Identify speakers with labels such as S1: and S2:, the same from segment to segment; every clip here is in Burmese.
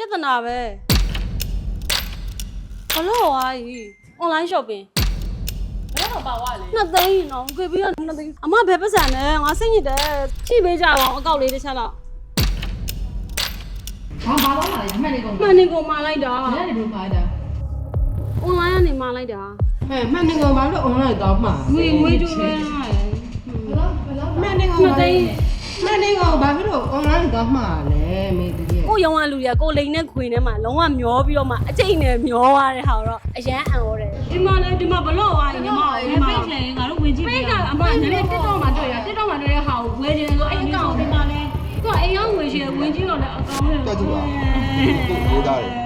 S1: ပြဿနာပဲဘလို့ဝါကြီး online shopping
S2: ဘယ်တော့ပါဝါလဲ
S1: နှစ်သိန်းတော့ကြွေပြီးတော့နှစ်သိန်းအမဘယ်ပတ်စံလဲငါစိတ်ညစ်တယ်ချိပေးကြပါအောင်အကောက်လေးတစ်ချက်တော့
S2: ဘာတော့လာလဲမှန်နေကုန်
S1: မှန်နေကုန်มาလိုက်တာ
S2: ဘယ်နေဘယ်ပါတာ
S1: online ကနေมาလိုက်တာ
S3: မှန်နေကောင်ဘာလို့ online တောင်းမှာ
S1: ငွေကြိုးပဲရတယ်
S3: မှန်နေကောင်ဘာလို့ online တောင်းမှာလဲမေတည်း
S1: ကိုရုံးကလူတွေကကိုလိန်နဲ့ခွေနဲ့မှလုံးဝမျောပြီးတော့မှအကျိတ်နဲ့မျောသွားတဲ့ဟာတော့အရန်အံ့ဩတယ်ဒီမှာလဲဒီမှာဘလို့ဝါကြီးဒီမှာဒီမှာ
S2: ပိတ်လေငါတို့ဝင်ကြည့်
S1: ပိတ်ကအမနည်းနည်း TikTok မှာတွေ့ရ TikTok မှာတွေ့တဲ့ဟာကိုဝယ်ချင်တယ်ဆိုအဲ့အကောင့်ဒီမှာလဲသူကအိမ်ရောက်ဝယ်ချင်ဝင်ကြည့်တော့လဲအကောင့်နဲ့
S4: တက်ကြည့်ပါကိုသားတယ်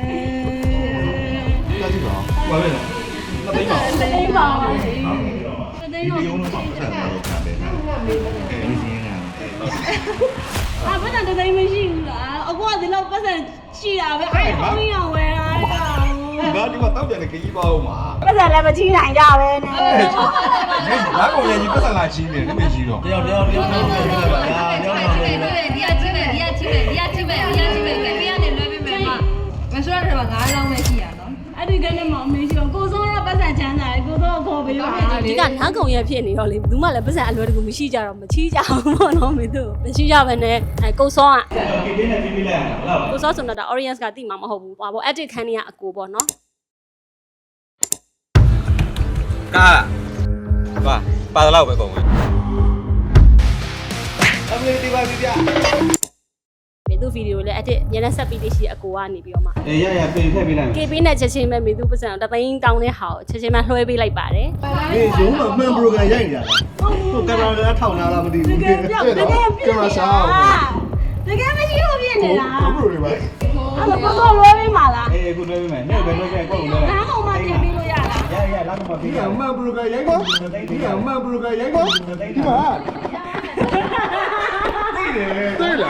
S4: တက်ကြည့်ပါဘာလဲမသိပါဘူး
S1: သိပါပါစေသိ
S4: ဒီ
S1: တော့
S4: ရုံးတော့ပတ်သက်တော့ခံတယ်အဲဒီစင်းက
S1: ဘာမှတသိမရှိဘူးလားအခုကဒီလောက်ပတ်စံရှိတာပဲအဲ့အုံးရောင်ဝယ်တာ
S4: ဒီမှာတောက်ပြန်တဲ့ခကြီးပါဦးမှာ
S1: ပတ်စံလည်းမချိနိုင်ကြပဲနဲ့
S4: လာကုန်ရကြီးပတ်သက်လာချင်းနေတယ်မကြီးတော့
S5: တယောက်ပြောပါဗျာတယောက်ပြောပါ
S2: ဒီကကြည့်မယ်ပဲပေးရတယ်လွှဲပေးမယ်မဆိုရတော့9လောင်းပဲရှိရနော်
S1: အဲ့ဒီကနေမှအမေရှိတော့ကိုစိုးရပတ်စံချမ်းသာတယ်ကိုစိုးကိုခေါ်ပေးပါဒီကနားကုံရဖြစ်နေတော့လေဘူးမှလည်းပတ်စံအလွယ်တကူမရှိကြတော့မချီးကြဘူးပေါ့နော်မင်းတို့မရှိကြဘဲနဲ့ကိုစိုးက
S5: ကေတင်းနဲ့ပြီးလိုက်ရအောင်ဟုတ်လား
S1: ကိုစိုးဆိုတော့ audience ကတိမှာမဟုတ်ဘူးဟော edit ခန်းနေရအကိုပေါ့နော်
S6: ကားပါတော့ပဲကုန်ဝင်
S5: အမေဒီပါပြ
S1: မေသူဗီဒီယိုလည်း edit ညနေဆက်ပြီးလေးရှိအကိုကနေပြီးတော့မှ
S5: အေးရပေထည့်ပေးလိုက်မယ်
S1: KB နဲ့ချက်ချင်းပဲမေသူပတ်စံတသိန်းတောင်းတဲ့ဟာကိုချက်ချင်းမှလွှဲပေးလိုက်ပါတယ်
S5: အေးရုံးမှာမှန်ပရိုဂရမ်ရိုက်နေတာဟိုကင်မရာလည်းထောက်လာလားမသိဘူး
S1: တကယ်မရှိလို့ဖြစ်နေတာ
S4: ဘာလို့လဲပါ
S1: အဲ့တော့ကိုစိုးလွှဲပေးမှာလား
S5: အေးခုလွှဲပေးမယ်နေ့ပဲလွှဲခဲ့ကိုယ်ကိုလွှဲလိုက်
S1: နားကောင်မှတင်ပေးလို့ရလား
S5: ရလာကမှပြီးရ
S4: မှန်ပရိုဂရမ်ရိုက်ကောဒီကမှန်ပရိုဂရမ်ရိုက်ကောဒီမှာသိလား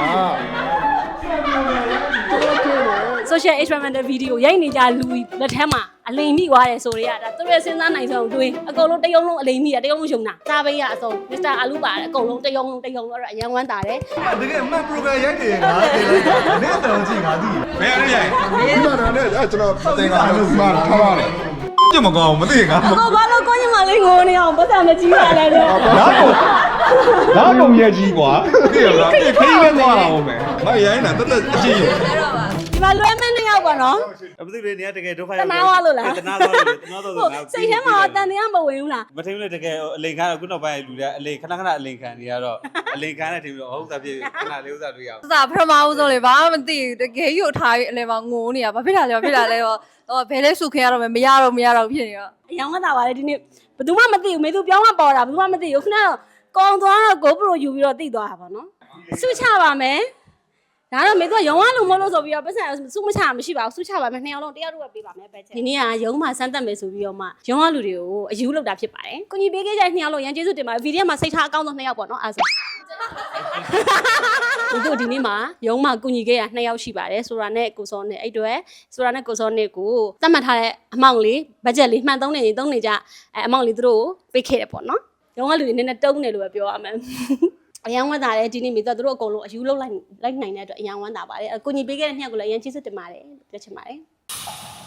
S1: social experimental video ရိုက်နေကြလူလက်ထက်မှာအလိမ်မိသွားတယ်ဆိုရတာသူတို့ရဲ့စဉ်းစားနိုင်ဆုံးတွေးအကုန်လုံးတယုံလုံးအလိမ်မိတာတယုံလုံးယုံတာစားပေးရအစုံ Mr. အာလူပါတယ်အကုန်လုံးတယုံလုံးအဲ့ဒါအရန်ဝမ်းတာတယ်
S4: တကယ်မှန်ပရိုဂရမ်ရိုက်နေငါတင်လိုက်တာနဲ့တော့ကြည့်ငါသိဘယ်ရရိုက်ဒီမှာလည်းကျွန်တော်တင်တာလို့မှာထားပါတယ်ကြည့်မကောင်းမသိငါ
S1: အကိုဘာလို့ကိုညီမလေးငိုနေအောင်ပတ်စံမကြီးပါလဲတော့
S4: လာကုန်ရကြီးကွာသိရလားခရီးပဲသွားတာဟုတ်မယ်မရိုင်းတာတက်တက်အကြည့်ရ
S1: ဒီမှာလွှဲမဲ့နှစ်ယောက်ပါနော်
S5: အပတိလေးနေတကယ်ဒုက္ခ
S1: တနာသွားလို့လား
S5: တနာသွားလို့တနာသွားလို့
S1: စိတ်ထဲမှာတန်တရားမဝင်ဘူးလား
S5: မထင်လို့တကယ်အလိန်ခါခုနောက်ပိုင်းလူတွေအလိန်ခဏအလိန်ခံနေရတော့အလိန်ခံနဲ့ထင်ပြီးတော့ဟုတ်တာဖြစ်ခဏလေးဥစားတွေ့ရအောင်
S7: စာပထမဦးဆုံးလေဘာမှမသိဘူးတကယ်ယူထားပြီးအလဲမှာငိုနေတာဘာဖြစ်တာလဲဘာဖြစ်တာလဲတော့ဘယ်လဲစုခင်ရတော့မရတော့ဖြစ်နေတော့
S1: အယောင်ကတာပါလေဒီနေ့ဘယ်သူမှမသိဘူးမေသူပြောင်းမှပေါ်တာဘယ်သူမှမသိဘူးခုနကကောင်းသွားတော့ GoPro ယူပြီးတော့တိသွားတာပေါ့နော်စုချပါမယ်ဒါတော့မေသူကရုံးကလူမလို့ဆိုပြီးတော့ပတ်စံစုမချမရှိပါဘူးစုချပါမယ်နှစ်ယောက်လုံးတယောက်တော့ပေးပါမယ်ပဲချက်ဒီနေ့ကရုံးမှာစမ်းသပ်မယ်ဆိုပြီးတော့မှရုံးကလူတွေကိုအယူလောက်တာဖြစ်ပါတယ်ကိုကြီးပေးခဲ့ကြတဲ့နှစ်ယောက်လုံးရန်ကျေးဇူးတင်ပါတယ်ဗီဒီယိုမှာစိတ်ထားအကောင်းဆုံးနှစ်ယောက်ပေါ့နော်အားဆိုဒီတို့ဒီနေ့မှာရုံးမှာကုညီခဲ့ရနှစ်ယောက်ရှိပါတယ်ဆိုတာနဲ့ကိုစောနဲ့အဲ့တွေဆိုတာနဲ့ကိုစောနဲ့ကိုသတ်မှတ်ထားတဲ့အမောင့်လေးဘတ်ဂျက်လေးမှန်သုံးနေကြအမောင့်လေးသူတို့ပေးခဲ့တယ်ပေါ့နော်ရုံးကလူတွေနည်းနည်းတုံးတယ်လို့ပဲပြောရမယ်အရန်ဝမ်းသာတယ်ဒီနေ့မိသားတို့အကုန်လုံးအယူလောက်လိုက်နိုင်တဲ့အတွက်အရန်ဝမ်းသာပါတယ်အကူညီပေးခဲ့တဲ့နှစ်ယောက်ကိုလည်းအရန်ချစ်စစ်တင်ပါတယ်ပြောချင်ပါတယ်